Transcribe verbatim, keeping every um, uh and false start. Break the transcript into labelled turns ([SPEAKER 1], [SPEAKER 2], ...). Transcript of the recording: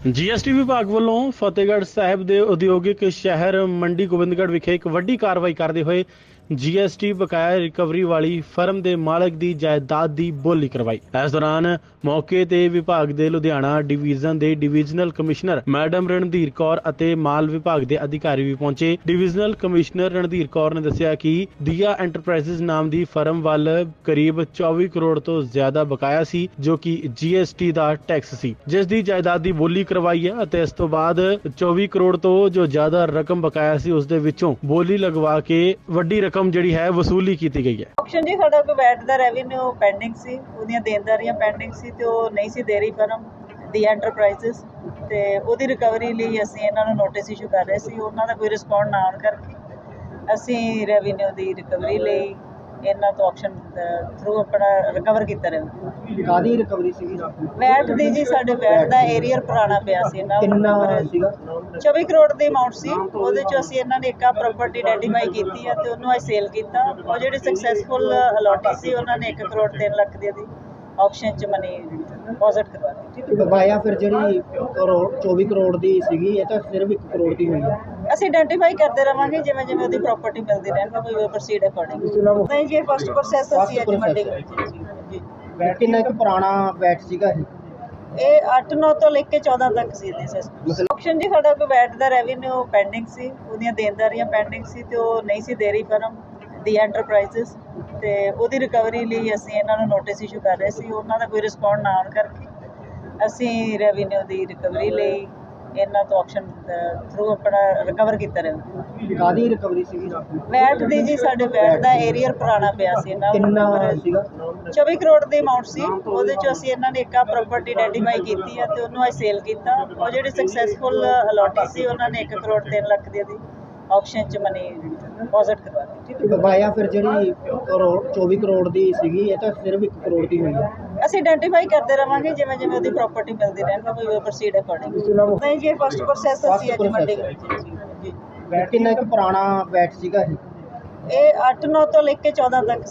[SPEAKER 1] GST ਵਿਭਾਗ ਵੱਲੋਂ ਫਤਿਹਗੜ੍ਹ ਸਾਹਿਬ ਦੇ ਉਦਯੋਗਿਕ ਸ਼ਹਿਰ ਮੰਡੀ ਗੋਬਿੰਦਗੜ੍ਹ ਵਿਖੇ ਇੱਕ ਵੱਡੀ ਕਾਰਵਾਈ ਕਰਦੇ ਹੋਏ ਜੀਐਸਟੀ ਬਕਾਇਆ ਰਿਕਵਰੀ ਵਾਲੀ ਫਰਮ ਦੇ ਮਾਲਕ ਦੀ ਜਾਇਦਾਦ ਦੀ ਬੋਲੀ ਕਰਵਾਈ। ਇਸ ਦੌਰਾਨ ਮੌਕੇ ਤੇ ਵਿਭਾਗ ਦੇ ਲੁਧਿਆਣਾ ਡਿਵੀਜ਼ਨ ਦੇ divisional commissioner madam Randhir Kaur ਅਤੇ ਮਾਲ ਵਿਭਾਗ ਦੇ ਅਧਿਕਾਰੀ ਵੀ ਪਹੁੰਚੇ। ਡਿਵੀਜ਼ਨਲ ਕਮਿਸ਼ਨਰ ਰਣਧੀਰ ਕੌਰ ਨੇ ਦੱਸਿਆ ਕਿ ਦੀਆ ਐਂਟਰਪ੍ਰਾਈਜ਼ਸ ਨਾਮ ਦੀ ਫਰਮ ਵੱਲ ਕਰੀਬ ਚੌਵੀ ਕਰੋੜ ਤੋਂ ਜ਼ਿਆਦਾ ਬਕਾਇਆ ਸੀ, ਜੋ ਕਿ ਜੀਐਸਟੀ ਦਾ ਟੈਕਸ ਸੀ, ਜਿਸ ਦੀ ਜਾਇਦਾਦ ਦੀ ਬੋਲੀ ਕਰਵਾਈ ਹੈ ਅਤੇ ਇਸ ਤੋਂ ਬਾਅਦ ਚੌਵੀ ਕਰੋੜ ਤੋਂ ਜੋ ਜ਼ਿਆਦਾ ਰਕਮ ਬਕਾਇਆ ਸੀ ਉਸ ਦੇ ਵਿੱਚੋਂ ਬੋਲੀ ਲਗਵਾ ਕੇ ਵੱਡੀ ਰਕਮ ਜਿਹੜੀ ਹੈ ਵਸੂਲੀ ਕੀਤੀ ਗਈ ਹੈ।
[SPEAKER 2] ਆਪਸ਼ਨ ਜੀ ਸਾਡਾ ਕੋਈ ਵੈਟ ਦਾ ਰੈਵਨਿਊ ਪੈਂਡਿੰਗ ਸੀ, ਉਹਦੀਆਂ ਦੇਣਦਾਰੀਆਂ ਪੈਂਡਿੰਗ ਸੀ ਤੇ ਉਹ ਨਹੀਂ ਸੀ ਦੇ ਰਹੀ ਫਰਮ ਦੀ ਐਂਟਰਪ੍ਰਾਈਜ਼ਸ, ਤੇ ਉਹਦੀ ਰਿਕਵਰੀ ਲਈ ਅਸੀਂ ਇਹਨਾਂ ਨੂੰ ਨੋਟਿਸ ਇਸ਼ੂ ਕਰ ਰਹੇ ਸੀ। ਉਹਨਾਂ ਦਾ ਕੋਈ ਰਿਸਪੌਂਡ ਨਾ ਆਉਣ ਕਰਕੇ ਅਸੀਂ ਰੈਵਨਿਊ ਦੀ ਰਿਕਵਰੀ ਲਈ ਇਹਨਾਂ ਤੋਂ ਆਪਸ਼ਨ ਥਰੂ ਆਪਣਾ ਰਿਕਵਰ ਕੀਤਾ ਰਿਹਾ।
[SPEAKER 3] ਕਾਹਦੀ ਰਿਕਵਰੀ ਸੀਗੀ?
[SPEAKER 2] ਵੈਟ ਦੀ ਜੀ, ਸਾਡੇ ਵੈਟ ਦਾ ਏਰੀਅਰ ਪੁਰਾਣਾ ਪਿਆ ਸੀ ਇਹਨਾਂ
[SPEAKER 3] ਕਿੰਨਾ
[SPEAKER 2] ਨੂੰ
[SPEAKER 3] ਸੀਗਾ?
[SPEAKER 2] ਚੌਵੀ ਕਰੋੜ ਦੀ ਅਮਾਉਂਟ ਸੀ। ਉਹਦੇ ਚੋਂ ਅਸੀਂ ਇਹਨਾਂ ਨੇ ਇੱਕ ਆ ਪ੍ਰਾਪਰਟੀ ਆਈਡੈਂਟੀਫਾਈ ਕੀਤੀ ਹੈ ਤੇ ਉਹਨੂੰ ਅਸੀਂ ਸੇਲ ਕੀਤਾ। ਉਹ ਜਿਹੜੀ ਸਕਸੈਸਫੁਲ ਅਲੋਟੀ ਸੀ ਉਹਨਾਂ ਨੇ ਇੱਕ ਕਰੋੜ ਤਿੰਨ ਲੱਖ ਦੀ ਦੀ ਆਕਸ਼ਨ 'ਚ ਮਨੀ ਡਿਪੋਜ਼ਿਟ ਕਰਵਾ ਦਿੱਤੀ।
[SPEAKER 3] ਬਕਾਇਆ ਫਿਰ ਜਿਹੜੀ ਕਰੋੜ ਚੌਵੀ ਕਰੋੜ ਦੀ ਸੀਗੀ, ਇਹ ਤਾਂ ਸਿਰਫ ਇੱਕ ਕਰੋੜ ਦੀ ਹੋਈ ਹੈ।
[SPEAKER 2] ਅਸੀਂ ਆਇਡੈਂਟੀਫਾਈ ਕਰਦੇ ਰਵਾਂਗੇ ਜਿਵੇਂ ਜਿਵੇਂ ਉਹਦੀ ਪ੍ਰਾਪਰਟੀ ਮਿਲਦੀ ਰਹਿੰਦੀ, ਵੀ ਵੀ ਪ੍ਰੋਸੀਡ ਅਕੋਰਡਿੰਗ। ਨਹੀਂ ਜੀ, ਫਸਟ ਪ੍ਰੋਸੈਸ ਅਸੀਂ ਅੱਜ ਮੰਡੀ ਵਿੱਚ ਜੀ।
[SPEAKER 3] ਕਿੰਨਾ ਇੱਕ ਪੁਰਾਣਾ ਵੈਟ ਸੀਗਾ ਇਹ?
[SPEAKER 2] ਇਹ ਅੱਠ ਨੌ ਤੋਂ ਲੈ ਕੇ ਚੌਦਾਂ ਤੱਕ ਸੀ ਇਹਦੀ ਸਿਸਟਮ। ਆਪਸ਼ਨ ਜੀ ਸਾਡਾ ਕੋਈ ਵੈਟ ਦਾ ਰੈਵਨਿਊ ਪੈਂਡਿੰਗ ਸੀ, ਉਹਦੀਆਂ ਦੇਣਦਾਰੀਆਂ ਪੈਂਡਿੰਗ ਸੀ ਤੇ ਉਹ ਨਹੀਂ ਸੀ ਦੇ ਰਹੀ ਫਰਮ ਦੀ ਐਂਟਰਪ੍ਰਾਈਜ਼ਸ, ਤੇ ਉਹਦੀ ਰਿਕਵਰੀ ਲਈ ਅਸੀਂ ਇਹਨਾਂ ਨੂੰ ਨੋਟਿਸ ਇਸ਼ੂ ਕਰ ਰਹੇ ਸੀ। ਉਹਨਾਂ ਦਾ ਕੋਈ ਰਿਸਪੌਂਡ ਨਾ ਆਉਣ ਕਰਕੇ ਅਸੀਂ ਰੈਵਨਿਊ ਦੀ ਰਿਕਵਰੀ ਲਈ ਇਹਨਾਂ ਤੋਂ ਆਪਸ਼ਨ ਥਰੂ ਆਪਣਾ ਰਿਕਵਰ ਕੀਤਾ ਰਿਹਾ।
[SPEAKER 3] ਕਾਹਦੀ ਰਿਕਵਰੀ ਸੀਗੀ?
[SPEAKER 2] ਵੈਟ ਦੀ ਜੀ, ਸਾਡੇ ਵੈਟ ਦਾ ਏਰੀਅਰ ਪੁਰਾਣਾ ਪਿਆ ਸੀ ਇਹਨਾਂ
[SPEAKER 3] ਕਿੰਨਾ
[SPEAKER 2] ਨੂੰ
[SPEAKER 3] ਸੀਗਾ?
[SPEAKER 2] ਚੌਵੀ ਕਰੋੜ ਦੀ ਅਮਾਉਂਟ ਸੀ। ਉਹਦੇ ਚੋਂ ਅਸੀਂ ਇਹਨਾਂ ਨੇ ਇੱਕ ਆ ਪ੍ਰਾਪਰਟੀ ਆਇਡੈਂਟੀਫਾਈ ਕੀਤੀ ਹੈ ਤੇ ਉਹਨੂੰ ਅਸੀਂ ਸੇਲ ਕੀਤਾ। ਉਹ ਜਿਹੜੀ ਸਕਸੈਸਫੁਲ ਅਲੋਟੀ ਸੀ ਉਹਨਾਂ ਨੇ ਇੱਕ ਕਰੋੜ ਤਿੰਨ ਲੱਖ ਦੀ ਦੀ ਆਕਸ਼ਨ 'ਚ ਮਨੀ ਡਿਪੋਜ਼ਿਟ ਕਰਵਾ ਦਿੱਤੀ।
[SPEAKER 3] ਬਕਾਇਆ ਫਿਰ ਜਿਹੜੀ ਕਰੋੜ ਚੌਵੀ ਕਰੋੜ ਦੀ ਸੀਗੀ, ਇਹ ਤਾਂ ਸਿਰਫ ਇੱਕ ਕਰੋੜ ਦੀ ਹੋਈ ਹੈ।
[SPEAKER 2] ਅਸੀਂ ਆਇਡੈਂਟੀਫਾਈ ਕਰਦੇ ਰਵਾਂਗੇ ਜਿਵੇਂ ਜਿਵੇਂ ਉਹਦੀ ਪ੍ਰਾਪਰਟੀ ਮਿਲਦੀ ਰਹਿੰਦੀ, ਵੀ ਵੀ ਪ੍ਰੋਸੀਡ ਅਕੋਰਡਿੰਗ। ਨਹੀਂ ਜੀ, ਫਸਟ ਪ੍ਰੋਸੈਸ ਅਸੀਂ ਅੱਜ ਮੰਡੀ ਵਿੱਚ ਜੀ।
[SPEAKER 3] ਕਿੰਨਾ ਇੱਕ ਪੁਰਾਣਾ ਵੈਟ ਸੀਗਾ ਇਹ?
[SPEAKER 2] ਇਹ ਅੱਠ ਨੌ ਤੋਂ ਲੈ ਕੇ ਚੌਦਾਂ ਤੱਕ